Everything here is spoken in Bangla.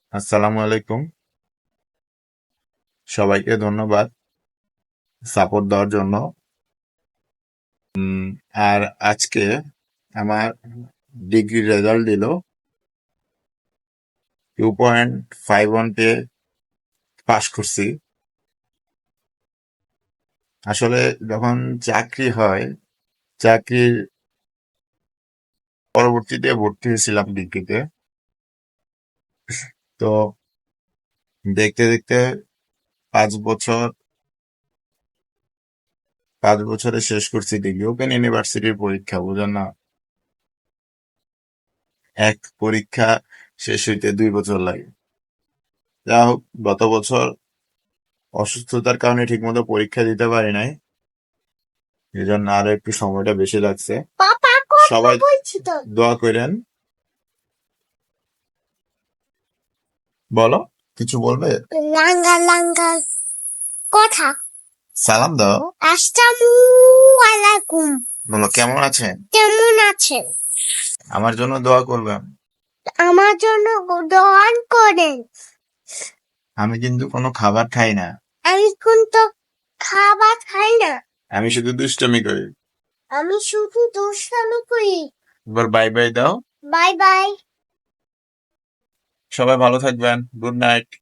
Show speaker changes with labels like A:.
A: আসসালামু আলাইকুম। সবাইকে ধন্যবাদ সাপোর্ট দেওয়ার জন্য। আর আজকে আমার ডিগ্রি রেজাল্ট দিল। 2.51 পেয়ে পাশ করছি। আসলে যখন চাকরি হয়, চাকরির পরবর্তীতে ভর্তি হয়েছিলাম ডিগ্রিতে। তো দেখতে দেখতে 5 বছর, 5 বছরে শেষ করছি ডিগ্রি। ওপেন ইউনিভার্সিটির পরীক্ষা বুঝেন না, এক পরীক্ষা শেষ হইতে 2 বছর লাগে। যা হোক, গত বছর অসুস্থতার কারণে ঠিকমতো পরীক্ষা দিতে পারি নাই, এই জন্য আরো একটু সময়টা বেশি লাগছে।
B: পাপা কথা
A: সবাই
B: বলছি তো।
A: দোয়া করেন। বলো, কিছু বলবে?
B: লাঙ্গা লাঙ্গা কথা।
A: সালাম দাও।
B: আসসালামু আলাইকুম।
A: বলো, কেমন আছেন?
B: কেমন আছেন?
A: আমার জন্য দোয়া করবেন।
B: আমার জন্য দোয়ান করেন।
A: আমি কিন্তু কোনো খাবার খাই না,
B: আমি কিন্তু খাবার খাই না।
A: আমি শুধু দুষ্টমি করি।
B: আমি শুধু দুষ্টামি করি।
A: এবার বাই বাই দাও।
B: Bye bye.
A: সবাই ভালো থাকবেন। Good night.